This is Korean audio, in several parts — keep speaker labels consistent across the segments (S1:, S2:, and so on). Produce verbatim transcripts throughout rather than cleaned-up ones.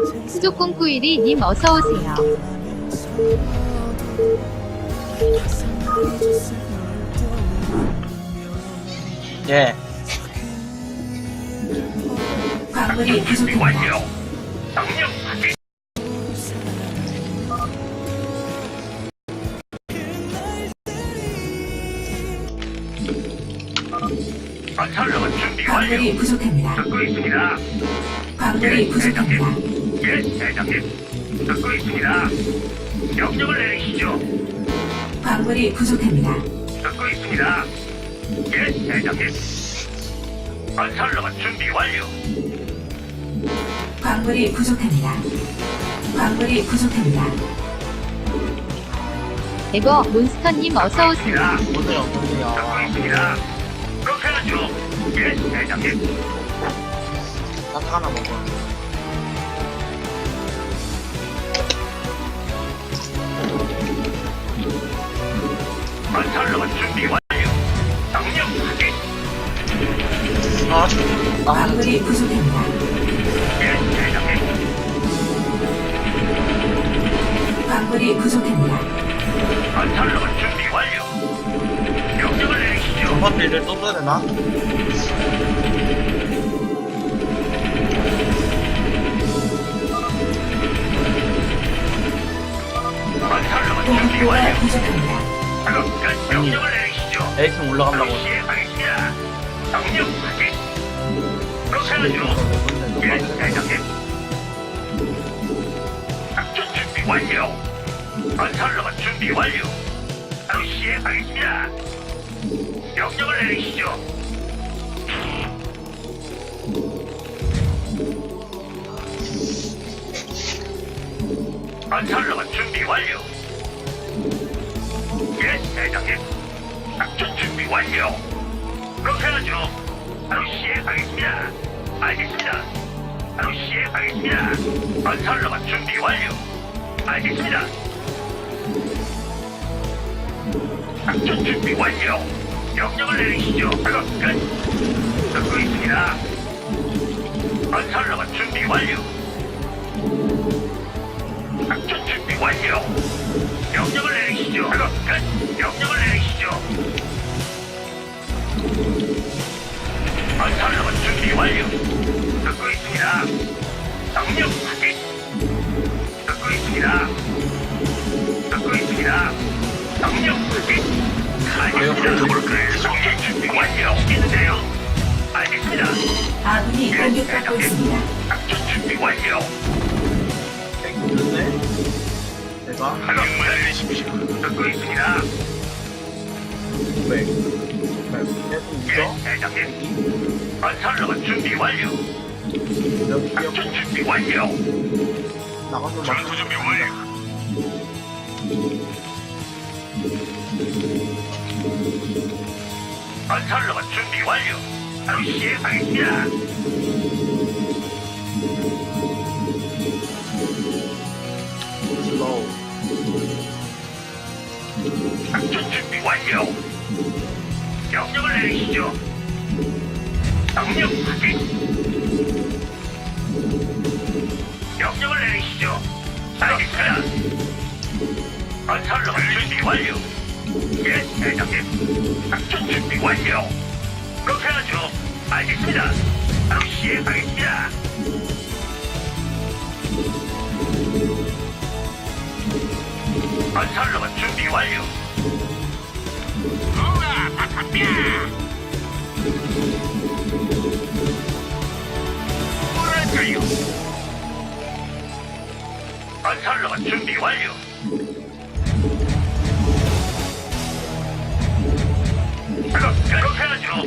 S1: 수족공구일이 님 어서오세요.
S2: 예.
S3: 광물이 부족합니다.
S4: 명령 확인. 건설로봇 준비 완료.
S3: 광물이 부족합니다.
S4: 듣고 있습니다.
S3: 광물이 부족합니다.
S4: 예, 대장님. 듣고 있습니다. 명령을 내리시죠.
S3: 광물이 부족합니다.
S4: 듣고 있습니다. 예, 대장님. 건설로봇 준비 완료.
S3: 광물이 부족합니다. 광물이 부족합니다.
S1: 에버 몬스터님 어서오세요.
S4: 자,
S2: 오세요,
S4: 듣고
S2: 오세요.
S4: 있습니다. 그렇게 하죠. 예, 대장님.
S2: 딱 하나 먹어.
S4: 건설로봇 준비 완료. 명령 확인.
S2: 아, 아,
S3: 광물이 부족합니다.
S4: 예, 대장님.
S3: 광물이 부족합니다.
S4: 건설로봇 준비 완료. 명령을 내리시죠.
S2: 저번 일을 또 써야 되나?
S4: 건설로봇 준비
S3: 공급고가
S4: 완료.
S3: 부족합니다.
S4: 그럼 끝. 명령을 내리시죠.
S2: 에이팅 올라간다고.
S4: 시행하겠습니다. 명령 확인. 그렇게 하죠. 예, 대장님. 작전 준비 완료. 건설로봇 준비 완료. 바로 시행하겠습니다. 명령을 내리시죠. 건설로봇 준비 완료. 예, 대장님. 작전 준비 완료. 그렇게 하죠. 바로 시행하겠습니다. 알겠습니다. 바로 시행하겠습니다. 건설로봇 준비 완료. 알겠습니다. 작전 준비 완료. 명령을 내리시죠. 작업 끝. 듣고 있습니다. 건설로봇 준비 완료. 작전 준비 완료. 명령을 내리시죠. 작업 끝. 명령을 내리시죠. 건설로봇 준비 완료. 듣고 있습니다. 명령 확인. 듣고 있습니다. 듣고 있습니다. 명령 확인. 알겠습니다. 작전 준비 완료. 시키는데요. 알겠습니다.
S3: 아군이 공격받고 있습니다.
S4: 작전 준비 완료.
S2: 땡겼네? 내가?
S4: 명령을 내리십시오. 듣고 있습니다.
S2: 왜? 왜? 계속
S4: 예,
S2: 있어?
S4: 대장님. 건설로봇 준비 완료.
S2: 여기
S4: 작전
S2: 뛰었고,
S4: 준비 완료.
S2: 나가서 막.
S4: 전투 준비 완료. 건설로봇 준비 완료. 바로 시행하겠습니다.
S2: 슬로우.
S4: 작전 준비 완료. 명령을 내리시죠. 명령 확인. 명령을 내리시죠. 알겠습니다. 건설로봇 준비 완료. 예, 대장님. 작전 준비 완료. 그렇게 하죠. 알겠습니다. 바로 시행하겠습니다. 건설로봇 준비 완료. 우와, 바탕뼈. 뭐랄까요? 건설로봇 준비 완료. 그럼 그렇게 하죠.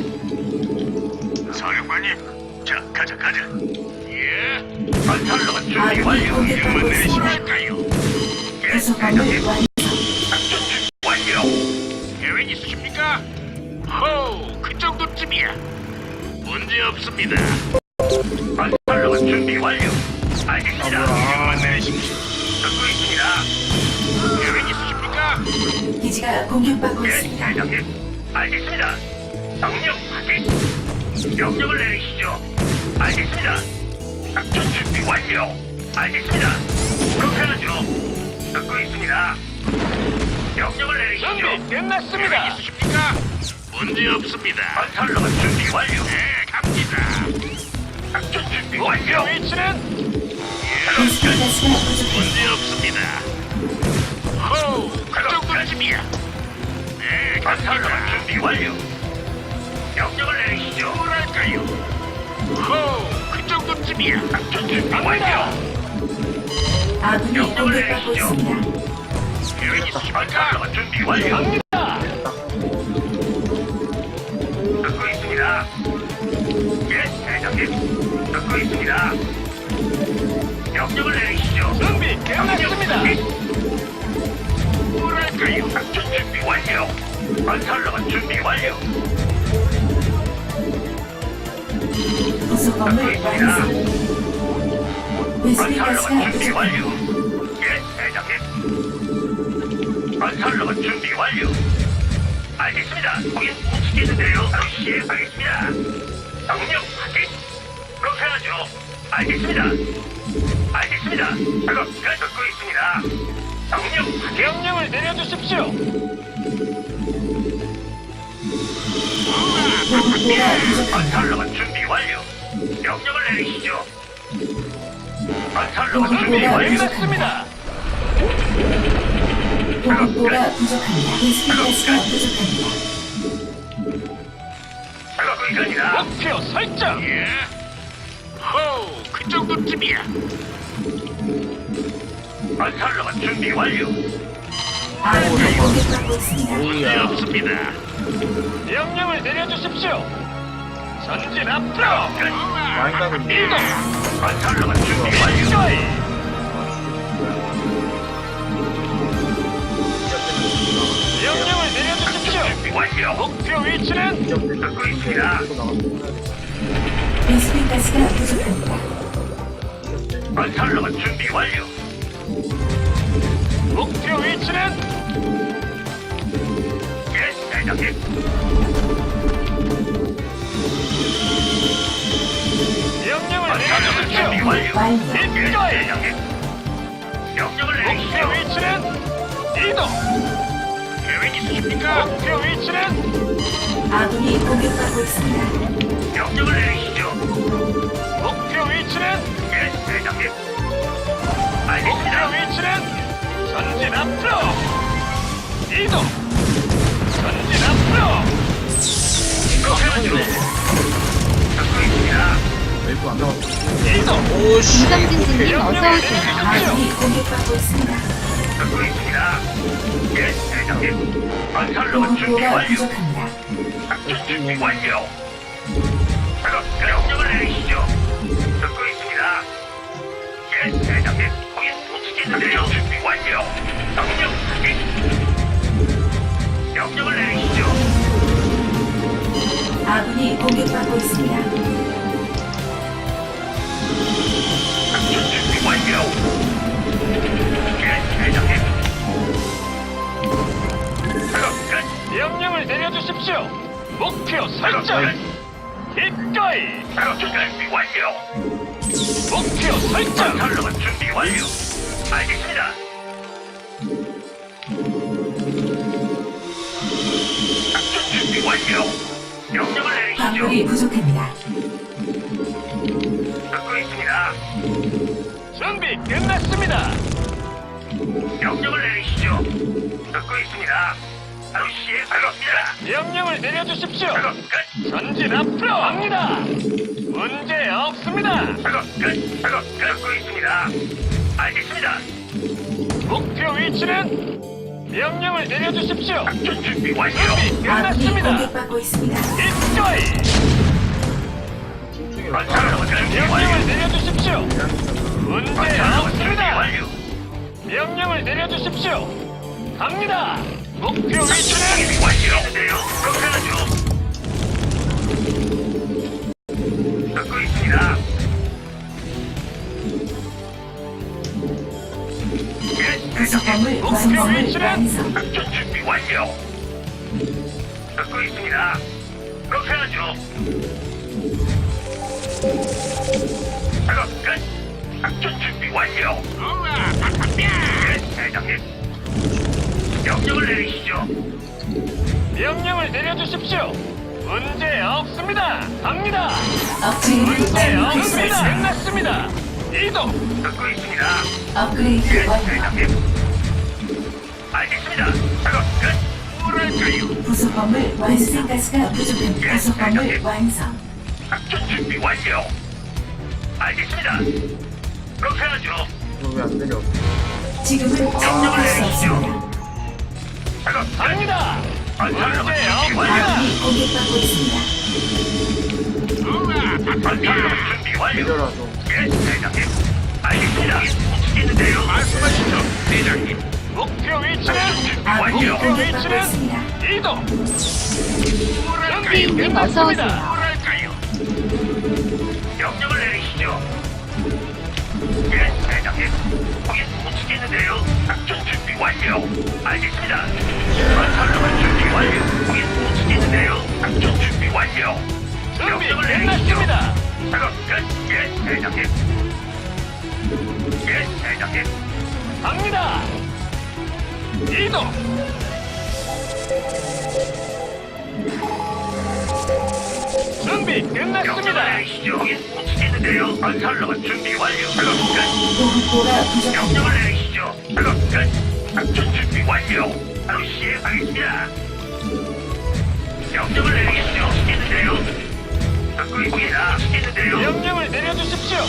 S4: 사령관님, 자 가자 가자. 예. 건설로봇 준비
S3: 아군이
S4: 완료.
S3: 공격받고
S4: 명만
S3: 있습니다.
S4: 내리시실까요? 예,
S3: 부속 건물
S4: 대장님.
S3: 완성.
S4: 작전 준비 완료. 계획 있으십니까? 호우, 그 정도쯤이야. 문제 없습니다. 건설로봇 준비 완료. 알겠습니다. 명만 내리십시오. 듣고 있습니다. 계획 있으십니까?
S3: 기지가 공격받고
S4: 예,
S3: 있습니다.
S4: 대장님. 알겠습니다. 명령 확인. 명령을 내리시죠. 알겠습니다. 작전 준비 완료. 알겠습니다. 그렇게 하죠. 듣고 있습니다. 명령을 내리시죠.
S5: 준비 끝났습니다.
S4: 계획 있으십니까? 문제 없습니다. 건설로만 준비 완료. 네, 갑니다. 작전 준비
S5: 목표
S4: 완료.
S5: 위치는
S3: 베스핀 가스가 부족합니다.
S4: 문제 없습니다. 호우, 그 정도쯤이야. 네, 건설로만 준비 완료. 명령을 내리시죠. 뭐랄까요? 호우, 그 정도쯤이야. 작전 준비 완료.
S3: 아군이 공격받고 있습니다.
S4: 계획 있으십니까? 건설로만 준비 완료.
S5: 갑니다.
S4: 듣고 있습니다. 예, 대장님. 듣고 있습니다. 명령을 내리시죠.
S5: 준비 끝났습니다.
S4: 뭐랄까요? 작전 준비 완료. 건설로만 준비 완료.
S3: 부속 건물 완성. 베스핀 가스가
S4: 건설로만 준비
S3: 부족합니다.
S4: 완료. 예, 대장님. 건설로만 준비 완료. 알겠습니다. 거긴 움직이는데요. 바로 시행하겠습니다. 명령 확인. 그렇게 하죠. 알겠습니다. 알겠습니다. 작업 끝 듣고 있습니다. 명령 확인.
S5: 명령을 내려주십시오.
S3: 보급고가 부족합니다.
S4: 건설로만 준비 완료. 명령을 내리시죠. 건설로만 준비
S3: 준비
S4: 완료.
S5: 끝났습니다.
S3: 보급고가 부족합니다. 베스핀 가스가 부족합니다.
S4: 작업 의견이다.
S5: 목표 설정.
S4: 예. 호우, 그 정도쯤이야. 건설로만 준비 완료.
S3: 아군이 공격받고 있습니다.
S4: 문제 없습니다.
S5: 명령을 내려주십시오. 전진 앞으로.
S2: 많이 가는데.
S5: 이동.
S4: 건설로만 준비 완료.
S5: 기꺼이. 명령을 내려주십시오.
S4: 준비 완료.
S5: 목표 위치는
S4: 듣고 있습니다.
S3: 베스핀 가스가 부족합니다.
S4: 건설로만 준비 완료.
S5: 목표 위치는
S4: 예, 대장님.
S5: 명령을
S4: 건설로만 준비
S5: 내려주십시오.
S4: 완료.
S3: 완료.
S4: 예,
S5: 기꺼이.
S4: 대장님. 명령을
S5: 목표
S4: 내리시죠.
S5: 위치는 이동.
S4: 계획 있으십니까?
S5: 목표 위치는
S3: 아군이 공격받고 있습니다.
S4: 명령을 내리시죠.
S5: 목표 위치는
S4: 예, 대장님.
S5: 목표
S4: 알겠습니다.
S5: 위치는 전진 앞으로. 이동. 전진 앞으로.
S4: 그렇게 하죠. 듣고 있습니다.
S2: 웨이브 안 나왔어.
S5: 이동.
S2: 오씨.
S1: 김성진님 어서 오세요.
S3: 아군이 공격받고 있습니다.
S4: 듣고 있습니다. 예, 대장님. 건설로만 준비
S3: 보급고가
S4: 완료.
S3: 부족합니다.
S4: 작전 준비 완료. 작업 명령을 내리시죠. 듣고 있습니다. 예, 대장님. 거긴 움직이는데요. 준비 완료. 명령 확인. 명령을 내리시죠.
S3: 아군이 공격받고 있습니다.
S4: 작전 준비 완료. 예, 대장님. 작업 끝.
S5: 명령을 내려주십시오. 목표
S4: 작업
S5: 설정.
S4: 끝.
S5: 기꺼이.
S4: 작업 준비 완료.
S5: 목표 설정.
S4: 건설로만 준비 완료. 알겠습니다. 작전 준비 완료. 명령을
S3: 광물이
S4: 내리시죠.
S3: 부족합니다.
S4: 듣고 있습니다.
S5: 준비 끝났습니다.
S4: 명령을 내리시죠. 듣고 있습니다. 바로 시행하겠습니다.
S5: 명령을 내려주십시오.
S4: 작업 끝.
S5: 전진 앞으로 갑니다. 문제 없습니다.
S4: 작업 끝. 작업 끝. 듣고 있습니다. 알겠습니다.
S5: 목표 위치는 명령을 내려주십시오.
S4: 작전 준비 완료.
S5: 준비
S3: 아군이
S5: 끝났습니다.
S3: 공격받고 있습니다.
S5: 기꺼이.
S4: 건설로만 준비
S5: 명령을
S4: 완료.
S5: 내려주십시오. 문제
S4: 건설로만 준비
S5: 없습니다.
S4: 완료.
S5: 명령을 내려주십시오. 갑니다. 목표 위치는
S4: 준비 완료인데요. 그렇게 하죠. 듣고 있습니다. 예,
S3: 부속
S4: 대장님.
S3: 건물
S5: 목표
S3: 완성을
S5: 위치는
S3: 완성.
S4: 작전 준비 완료. 듣고 있습니다. 그렇게 하죠. 작업 끝. 작전 준비 완료. 우와, 박합니다. 예, 대장님. 명령을 내리시죠.
S5: 명령을 내려주십시오. 문제 없습니다. 갑니다.
S3: 업그레이드
S5: 문제 없습니다.
S3: 완료됐습니다.
S5: 끝났습니다. 이동.
S4: 듣고 있습니다.
S3: 업그레이드
S4: 예,
S3: 완료.
S4: 대장님. 알겠습니다. 작업 끝. 뭐랄까요?
S3: 부속 건물 완성. 가스가 부족합니다. 부속 건물 완성.
S4: 작전 준비 완료. 알겠습니다. 그렇게 하죠.
S2: 이거 왜 안 내려?
S3: 지금은 작동할 수 없습니다.
S4: 작업 끝.
S5: 갑니다. 문제 없습니다.
S3: 아군이 공격받고 있습니다.
S4: 우와, 작전 준비 완료.
S2: 내려라도.
S4: 예, 대장님. 알겠습니다. 움직이는데요. 말씀하시죠, 대장님.
S5: 목표 위치는
S3: 아군이
S5: 목표
S3: 공격받고
S5: 위치는
S3: 있습니다.
S5: 이동.
S1: 현지인님 어서 오세요.
S4: 뭐랄까요? 명령을 내리시죠. 예, 대장님. 거기 움직이는데요. 작전 준비 완료. 알겠습니다. 건설로만 준비 완료. 거기 움직이는데요. 작전 준비 완료.
S5: 준비
S4: 명령을 내리시죠.
S5: 끝났습니다.
S4: 작업 끝. 예, 대장님. 예, 대장님.
S5: 갑니다. 이동. 준비
S4: 명령을
S5: 끝났습니다.
S4: 내리시죠. 거기 움직이는데요. 건설로만 준비 완료. 작업 끝.
S3: 보급고가 부족합니다.
S4: 명령을 내리시죠. 작업 끝. 작전 준비 완료. 바로 시행하겠습니다. 명령을 내리시죠. 시키는데요. 듣고 있습니다. 시키는데요.
S5: 명령을 내려주십시오.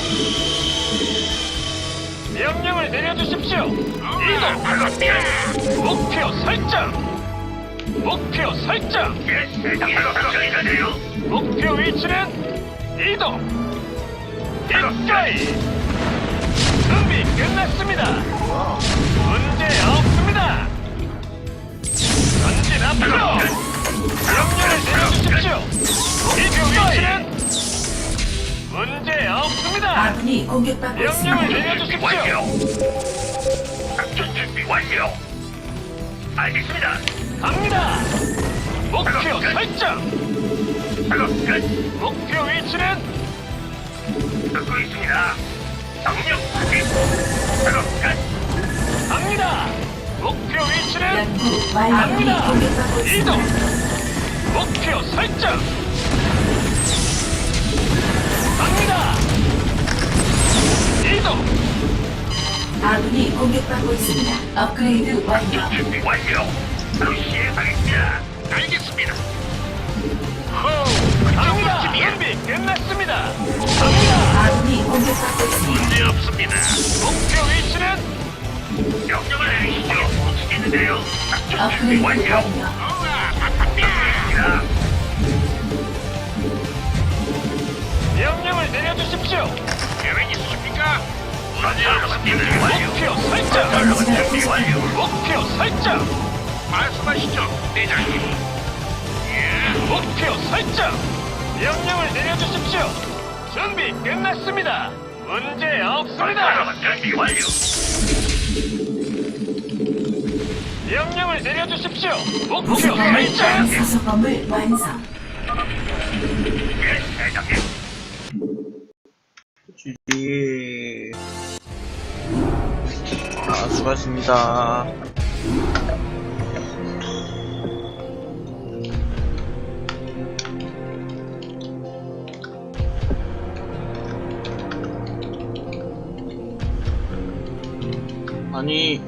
S5: 명령을 내려주십시오. 이동.
S4: 작업 끝.
S5: 목표 설정. 목표 설정.
S4: 예, 대장 작업 끝인데요.
S5: 목표 위치는 이동. 입가이. 준비 끝났습니다. 문제 없습니다. 전진 앞으로. 명령을 내려주십시오. 목표 위치는 문제 없습니다.
S3: 아군이 공격받고
S5: 명령을
S3: 있습니다.
S4: 준비
S5: 내려주십시오.
S4: 완료. 작전 준비 완료. 알겠습니다.
S5: 갑니다. 목표 설정.
S4: 작업 끝.
S5: 목표 위치는
S4: 듣고 있습니다. 정력 확인. 작업 끝.
S5: 갑니다. 목표 위치는
S3: 연구 완료. 아군이
S5: 갑니다.
S3: 공격받고
S5: 이동.
S3: 있습니다.
S5: 목표 설정. 갑니다. 이동.
S3: 아군이 공격받고 있습니다. 업그레이드 완료.
S4: 작전 준비 완료. 바로 시행하겠습니다. 알겠습니다. 호,
S5: 갑니다.
S4: 준비야.
S5: 준비 끝났습니다. 갑니다.
S3: 아군이 공격받고 있습니다.
S4: 문제 없습니다.
S5: 목표 위치는
S4: 명령을 내리시죠. 움직이는데요. 작전 준비
S3: 업그레이드
S4: 완료.
S3: 완료.
S4: 우와, 바쁩니다.
S5: 명령을 내려주십시오.
S4: 계획 있으십니까? 문제 없습니다. 완료.
S5: 목표 설정.
S4: 건설로만 준비 완료.
S5: 목표 설정.
S4: 말씀하시죠, 대장님. 예,
S5: 목표 설정. 명령을 내려주십시오. 준비 끝났습니다. 문제 없습니다.
S4: 건설로만 준비 완료.
S5: 명령을 내려주십시오. 목표
S3: 부속 건물
S5: 설정.
S3: 부속 건물 완성.
S4: 예, 대장님.
S6: 주지. 아, 수고하셨습니다. 아니,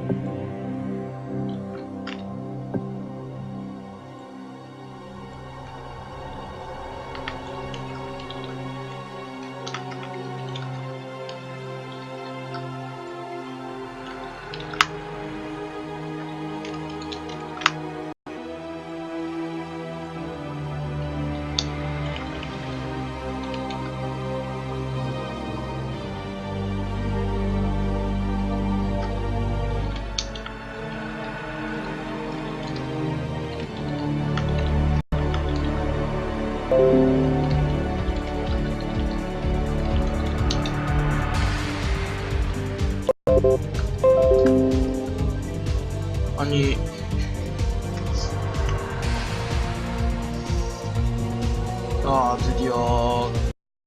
S6: 아니, 아, 드디어